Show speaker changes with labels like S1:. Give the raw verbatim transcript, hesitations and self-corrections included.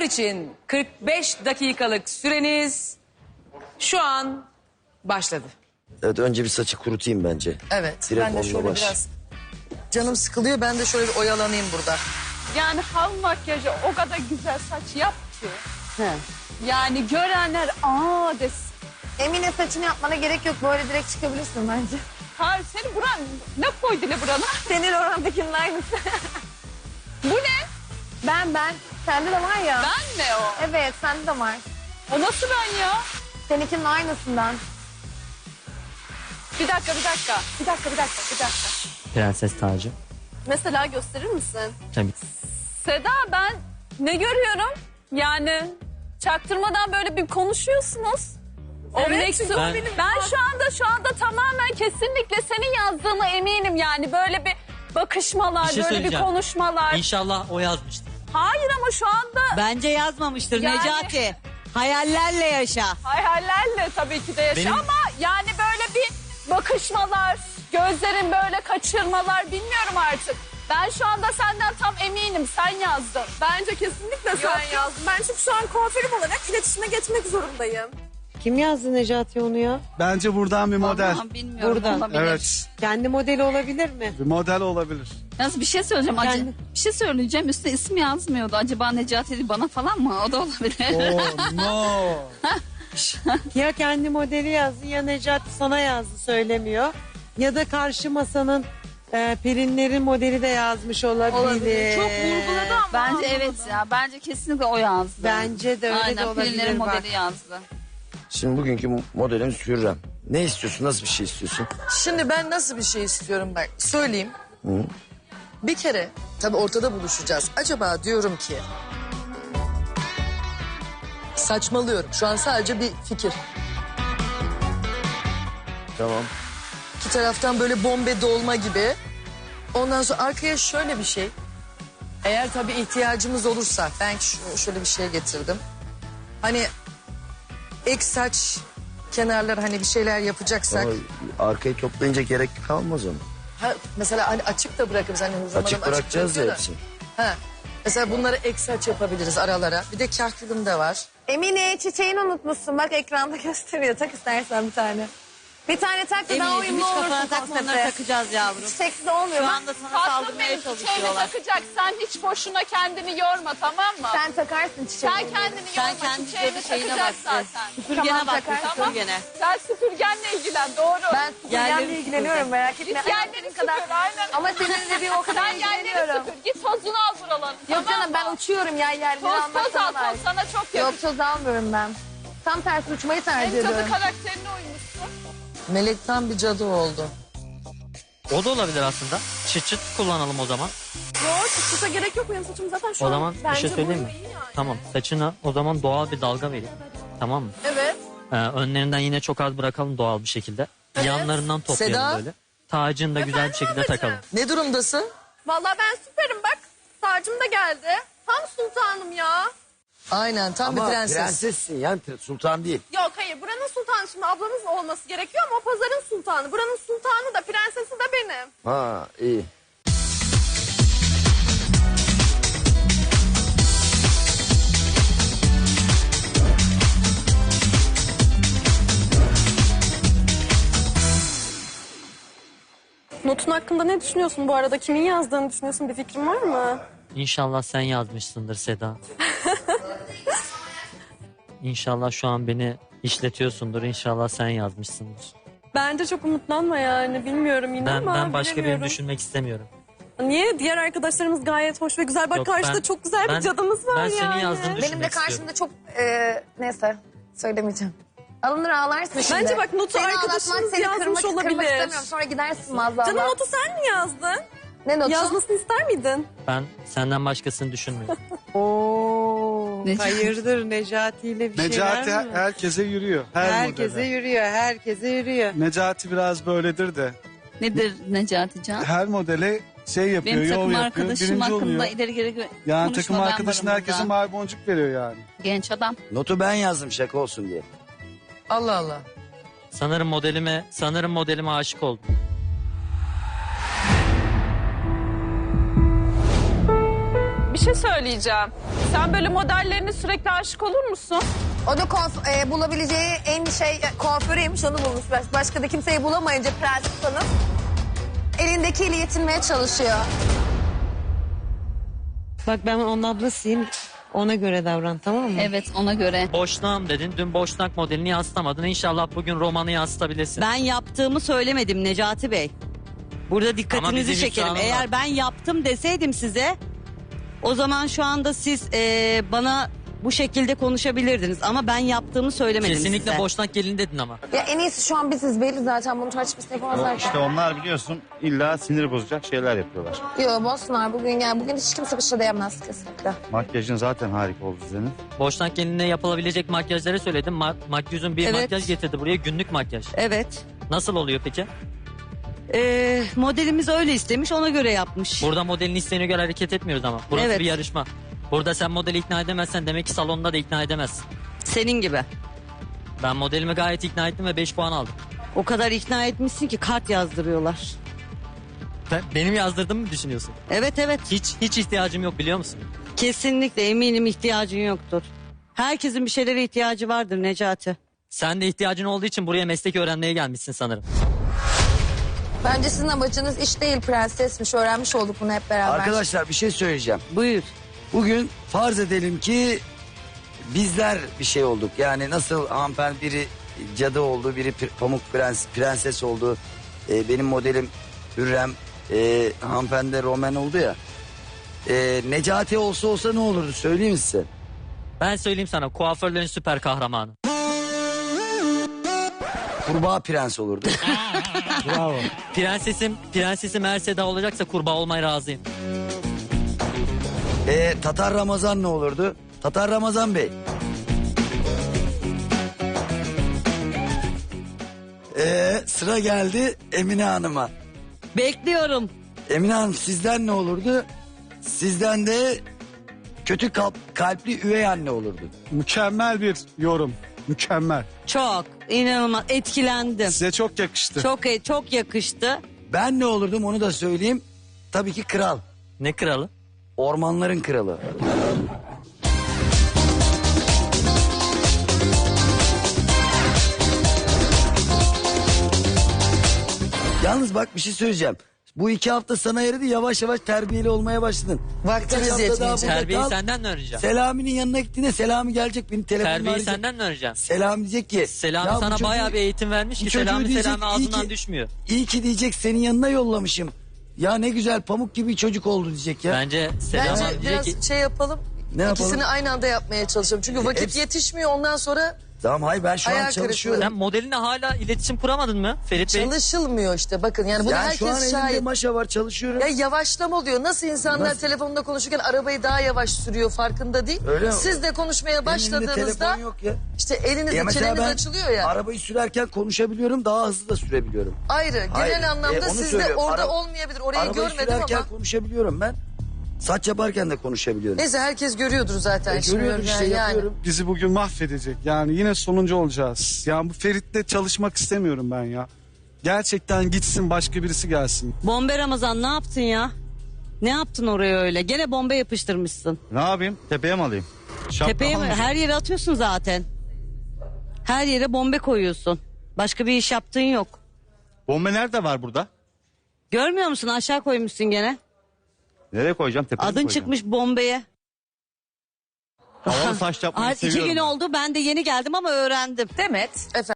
S1: için kırk beş dakikalık süreniz şu an başladı.
S2: Evet, önce bir saçı kurutayım bence.
S3: Evet.
S2: Direkt
S3: ben de
S2: onunla
S3: şöyle
S2: baş.
S3: biraz canım sıkılıyor. Ben de şöyle bir oyalanayım burada.
S4: Yani hal makyajı o kadar güzel saç yap ki. Yani görenler aa desin.
S5: Emine saçını yapmana gerek yok. Böyle direkt çıkabilirsin bence.
S4: Har senin buran ne koydu ne burana?
S5: Senin orandakinin aynısı.
S4: Bu ne?
S5: Ben ben. Sende de var ya.
S4: Ben mi o?
S5: Evet sende de var.
S4: O nasıl ben ya?
S5: Seninkinin aynısından.
S4: Bir dakika bir dakika. Bir dakika bir dakika bir dakika.
S6: Prenses tacı.
S4: Mesela gösterir misin?
S6: Tabii.
S4: Seda ben ne görüyorum? Yani çaktırmadan böyle bir konuşuyorsunuz. O
S5: Evet,
S4: mektup-
S6: ben-
S4: ben şu anda şu anda tamamen kesinlikle senin yazdığına eminim yani böyle bir bakışmalar,
S6: Bir şey
S4: böyle bir
S6: söyleyeceğim.
S4: konuşmalar.
S6: İnşallah o yazmıştır.
S4: Hayır ama şu anda
S7: Bence yazmamıştır
S4: Yani-
S7: Necati. Hayallerle yaşa.
S4: hayallerle tabii ki de yaşa
S6: Benim-
S4: ama yani böyle bir bakışmalar, gözlerin böyle kaçırmalar bilmiyorum artık. Ben şu anda senden tam eminim sen yazdın.
S8: Bence kesinlikle sen yazdın. Ben çünkü şu an kuaförüm olarak iletişime geçmek zorundayım.
S9: Kim yazdı Necati onu ya?
S10: Bence buradan bir model.
S7: Vallahi bilmiyorum.
S9: Buradan.
S7: olabilir.
S10: Evet.
S9: Kendi modeli olabilir mi?
S10: Bir model olabilir.
S7: Yalnız bir şey söyleyeceğim. Acı,
S9: Yani-
S7: bir şey söyleyeceğim. Üstüne isim yazmıyordu. Acaba Necati bana falan mı? O da olabilir.
S10: Oh no.
S9: Ya kendi modeli yazdı ya Necati sana yazdı söylemiyor. Ya da karşı masanın e, Pelinlerin modeli de yazmış olabilir.
S8: Çok vurguladı ama.
S7: Bence evet ya. Bence kesinlikle o yazdı.
S9: Bence de öyle
S7: Aynen,
S9: de olabilir.
S7: Pelinlerin
S9: bak.
S7: modeli yazdı.
S2: Şimdi bugünkü modelimiz Hürrem. Ne istiyorsun? Nasıl bir şey istiyorsun?
S3: Şimdi ben nasıl bir şey istiyorum bak söyleyeyim. Bir kere tabii ortada buluşacağız. Acaba diyorum ki saçmalıyorum. Şu an sadece bir fikir.
S2: Tamam.
S3: İki taraftan böyle bombe dolma gibi. Ondan sonra arkaya şöyle bir şey. Eğer tabii ihtiyacımız olursa ben ş- şöyle bir şey getirdim. Hani ek saç kenarları hani bir şeyler yapacaksak.
S2: Ama arkayı toplayınca gerek kalmaz onu.
S3: Ha, mesela hani açık da bırakırız. Hani Hürrem
S2: Açık
S3: Hanım
S2: bırakacağız ya
S3: bırakıyor da.
S2: hepsini.
S3: Ha. Mesela bunları ek saç yapabiliriz aralara. Bir de kahkülüm de var.
S5: Emine çiçeğini unutmuşsun. Bak ekranda gösteriyor. Tak istersen bir tane. Bir tane tak da daha
S7: Emine'cim
S5: uyumlu
S7: hiç
S5: olursun
S7: kafana takma, onları
S5: konsepte.
S7: takacağız yavrum.
S5: Çiçeksiz olmuyor.
S7: Şu
S5: Bak,
S7: anda sana
S4: Tatlım
S7: saldırmaya
S4: benim çiçeğini
S7: çalışıyorlar.
S4: takacak. Sen hiç boşuna kendini yorma tamam mı?
S5: sen takarsın çiçeğini.
S4: Sen kendini
S7: Sen
S4: yorma
S7: kendi
S4: çiçeğini
S7: şeyine
S4: takacak
S7: bak.
S4: zaten.
S7: Süpürgene
S5: Tamam,
S7: bak.
S5: takar.
S7: Süpürgene.
S4: Sen süpürgenle ilgilen doğru.
S5: Ben süpürgenle
S7: Yerleri
S5: ilgileniyorum merak etme.
S4: Git yerleri süpür aynen.
S5: Ama seninle bir o kadar
S4: Sen yerleri
S5: ilgileniyorum.
S4: süpür. Git tozunu al buraların.
S5: Yok
S4: tamam
S5: canım ben
S4: mı?
S5: uçuyorum ya yerleri
S4: Toz
S5: almak
S4: toz al
S5: sana
S4: toz sana çok
S5: Yok
S4: yakışır.
S5: toz almıyorum ben. Tam tersi uçmayı tercih
S4: Hem cadı
S5: ediyorum.
S4: karakterine uymuşsun.
S3: Melekten bir cadı oldu.
S6: O da olabilir aslında. Çıt çıt kullanalım o zaman.
S8: Yok çıkışa gerek yok. Benim saçım zaten şu
S6: O
S8: an
S6: zaman bir
S8: bence
S6: şey söyleyeyim
S8: bu
S6: mi?
S8: iyi yani.
S6: Tamam, saçına o zaman doğal bir dalga vereyim. Tamam mı?
S8: Evet.
S6: Ee, önlerinden yine çok az bırakalım doğal bir şekilde. Yanlarından toplayalım
S3: Seda?
S6: böyle. Tacını da güzel bir şekilde takalım.
S3: Ne durumdasın?
S8: Vallahi ben süperim bak. Sarcım da geldi. Tam sultanım ya.
S3: Aynen tam
S2: Ama
S3: bir prenses.
S2: prensessin yani sultan değil.
S8: Yok hayır buranın sultanı şimdi ablamız olması gerekiyor ama o pazarın sultanı. Buranın sultanı da prensesi de benim.
S2: Ha iyi.
S8: Notun hakkında ne düşünüyorsun bu arada? Kimin yazdığını düşünüyorsun? Bir fikrin var mı?
S6: İnşallah sen yazmışsındır Seda. İnşallah şu an beni işletiyorsundur. İnşallah sen yazmışsındır.
S8: Bence çok umutlanma yani. Bilmiyorum yine
S6: Ben
S8: ama
S6: ben başka birini
S8: bilemiyorum.
S6: düşünmek istemiyorum.
S8: Niye? Diğer arkadaşlarımız gayet hoş ve güzel. Bak
S6: Yok,
S8: karşıda
S6: ben-
S8: çok güzel
S6: ben-
S8: bir cadımız var
S6: ben
S8: yani.
S6: senin yazdığını
S5: Benim de
S6: düşünmek
S5: karşımda çok e, neyse söylemeyeceğim. Alınır ağlarsın şimdi.
S8: Bence bak notu
S5: Seni
S8: arkadaşımız
S5: ağlatmak, seni
S8: yazmış
S5: kırmak, kırmak
S8: olabilir.
S5: istemiyorum. Sonra gidersin maazallah.
S8: Canım notu sen mi yazdın?
S5: Ne notu?
S8: Yazmasını ister miydin?
S6: Ben senden başkasını düşünmüyorum.
S9: Oo,
S7: Necati.
S9: hayırdır Necati ile bir
S10: Necati
S9: şeyler
S10: her-
S9: mi?
S10: herkese yürüyor. Her
S9: Herkese
S10: modele.
S9: yürüyor, herkese yürüyor.
S10: Necati biraz böyledir de.
S7: Nedir Necati Can?
S10: Her modele şey yapıyor,
S7: Benim
S10: yol
S7: takım
S10: yapıyor,
S7: arkadaşım
S10: birinci
S7: hakkında
S10: oluyor.
S7: ileri geri
S10: Yani
S7: konuşma,
S10: takım
S7: ben
S10: arkadaşın
S7: varım
S10: herkese
S7: burada.
S10: mavi boncuk veriyor yani.
S7: Genç adam.
S2: Notu ben yazdım şaka olsun diye.
S3: Allah Allah.
S6: Sanırım modelime, sanırım modelime aşık oldum.
S8: Bir
S4: şey söyleyeceğim. Sen böyle modellerine sürekli aşık olur musun?
S5: O da kuaf- e, bulabileceği en şey e, kuaförüymüş, onu bulmuş. Baş- Başka da kimseyi bulamayınca Prenses Hanım elindekiyle yetinmeye çalışıyor.
S9: Bak ben onun ablasıyım. Ona göre davran, tamam mı?
S7: Evet, ona göre.
S6: Boşnağım dedin. Dün boşnak modelini yansıtamadın. İnşallah bugün romanı yansıtabilirsin.
S11: Ben yaptığımı söylemedim Necati Bey. Burada
S6: Ama
S11: dikkatinizi
S6: bizim
S11: çekerim.
S6: ifşanın
S11: Eğer
S6: var.
S11: ben yaptım deseydim size, o zaman şu anda siz e, bana bu şekilde konuşabilirdiniz. Ama ben yaptığımı söylemedim
S6: Kesinlikle
S11: size.
S6: boşnak gelin dedin ama.
S5: Ya en iyisi şu an biziz, belli zaten, bunu tartışmasını yapamazlar ki.
S12: İşte onlar biliyorsun illa sinir bozacak şeyler yapıyorlar.
S5: Yok bozsunlar bugün, yani bugün hiç kimse bir şey diyemez kesinlikle.
S12: Makyajın zaten harika oldu senin.
S6: Boşnak gelinine yapılabilecek makyajları söyledim. Ma makyözün bir
S11: Evet.
S6: makyaj getirdi buraya. Günlük makyaj.
S11: Evet.
S6: Nasıl oluyor peki?
S11: E, modelimiz öyle istemiş, ona göre yapmış.
S6: Burada modelin isteğine göre hareket etmiyoruz ama. Burası
S11: Evet.
S6: bir yarışma. Burada sen modeli ikna edemezsen demek ki salonda da ikna edemezsin.
S11: Senin gibi.
S6: Ben modelimi gayet ikna ettim ve beş puan aldım.
S11: O kadar ikna etmişsin ki kart yazdırıyorlar.
S6: Sen benim yazdırdığımı mı düşünüyorsun?
S11: Evet evet.
S6: Hiç hiç ihtiyacım yok biliyor musun?
S11: Kesinlikle eminim ihtiyacın yoktur. Herkesin bir şeylere ihtiyacı vardır Necati.
S6: Sen de ihtiyacın olduğu için buraya meslek öğrenmeye gelmişsin sanırım.
S5: Bence sizin amacınız iş değil, prensesmiş. Öğrenmiş olduk bunu hep beraber.
S2: Arkadaşlar bir şey söyleyeceğim.
S11: Buyur.
S2: Bugün farz edelim ki bizler bir şey olduk. Yani nasıl hanımefendi biri cadı oldu, biri pir- pamuk prens, prenses oldu. Ee, benim modelim Hürrem, e, hanımefendi de Roman oldu ya. Ee, Necati olsa olsa ne olurdu söyleyeyim mi size?
S6: Ben söyleyeyim sana, kuaförlerin süper kahramanı.
S2: Kurbağa prens olurdu.
S10: Bravo.
S6: Prensesim, prensesim eğer Seda olacaksa kurbağa olmaya razıyım.
S2: Ee, Tatar Ramazan ne olurdu? Tatar Ramazan Bey. Ee, sıra geldi Emine Hanım'a.
S11: Bekliyorum.
S2: Emine Hanım sizden ne olurdu? Sizden de kötü kalp, kalpli üvey anne olurdu.
S10: Mükemmel bir yorum. Mükemmel.
S11: Çok inanılmaz etkilendim.
S10: Size çok yakıştı.
S11: Çok çok yakıştı.
S2: Ben ne olurdum onu da söyleyeyim. Tabii ki kral.
S6: Ne kralı?
S2: Ormanların kralı. Yalnız bak bir şey söyleyeceğim. Bu iki hafta sana yaradı, yavaş yavaş terbiyeli olmaya başladın.
S3: Vaktimiz
S2: Birkaç hafta daha
S3: yetmeyecek.
S2: burada
S6: Terbiyeyi
S2: kal.
S6: senden mi öğreneceğim?
S2: Selami'nin yanına gittiğinde Selami gelecek beni telefonla
S6: Terbiyeyi
S2: arayacak.
S6: senden mi öğreneceğim?
S2: Selami diyecek ki.
S6: Selami
S2: "Ya bu
S6: sana
S2: çocuğu-
S6: bayağı bir eğitim vermiş
S2: bu
S6: ki
S2: çocuğu
S6: Selami
S2: diyecek,
S6: Selami
S2: iyi
S6: ağzından
S2: ki-
S6: düşmüyor.
S2: İyi ki diyecek senin yanına yollamışım. Ya ne güzel pamuk gibi çocuk oldu diyecek ya.
S6: Bence Selami
S3: Bence
S6: diyecek
S3: biraz
S6: ki
S3: şey yapalım.
S2: Ne yapalım?
S3: İkisini aynı anda yapmaya çalışalım. Çünkü vakit
S2: hepsi-
S3: yetişmiyor, ondan sonra
S2: Tamam hayır ben şu
S3: Hayal
S2: an
S3: kırıklığı.
S2: çalışıyorum.
S6: sen modelinle hala iletişim kuramadın mı Ferit Bey?
S3: çalışılmıyor işte. Bakın yani bunu
S2: Yani şu an
S3: herkes
S2: elimde
S3: şahit.
S2: maşa var çalışıyorum.
S3: Ya yavaşlama oluyor. Nasıl insanlar
S2: Nasıl?
S3: telefonda konuşurken arabayı daha yavaş sürüyor, farkında değil.
S2: Öyle mi?
S3: Siz de konuşmaya
S2: Benim elimde
S3: başladığınızda
S2: telefon yok ya.
S3: işte elinizde
S2: Ya mesela
S3: çeneniz
S2: ben
S3: açılıyor ya.
S2: arabayı sürerken konuşabiliyorum, daha hızlı da sürebiliyorum.
S3: Ayrı. Genel
S2: Hayır,
S3: anlamda
S2: e, onu
S3: sizde
S2: söylüyorum.
S3: orada
S2: Ara-
S3: olmayabilir. Orayı
S2: Arabayı
S3: görmedim
S2: sürerken
S3: ama.
S2: konuşabiliyorum ben. Saç yaparken de konuşabiliyorum.
S3: Neyse herkes görüyordur zaten.
S2: E,
S3: şimdi
S2: görüyorum işte
S3: yani.
S2: yapıyorum.
S10: Bizi bugün mahvedecek. Yani yine sonuncu olacağız. Yani bu Ferit'le çalışmak istemiyorum ben ya. Gerçekten gitsin, başka birisi gelsin.
S11: Bombe Ramazan ne yaptın ya? Ne yaptın oraya öyle? Gene bombe yapıştırmışsın.
S12: Ne yapayım? Tepeye mi alayım? Şapka
S11: Tepeye mi?
S12: almayacağım.
S11: Her yere atıyorsun zaten. Her yere bombe koyuyorsun. Başka bir iş yaptığın yok.
S12: Bomba nerede var burada?
S11: Görmüyor musun? Aşağı koymuşsun gene.
S12: Nereye koyacağım? Tepeye mi
S11: Adın
S12: koyacağım?
S11: çıkmış bombeye.
S12: Havalı saç yapmayı
S11: Ay, iki
S12: seviyorum
S11: gün
S12: ben.
S11: oldu. Ben de yeni geldim ama öğrendim.
S1: Demet,
S3: Efendim.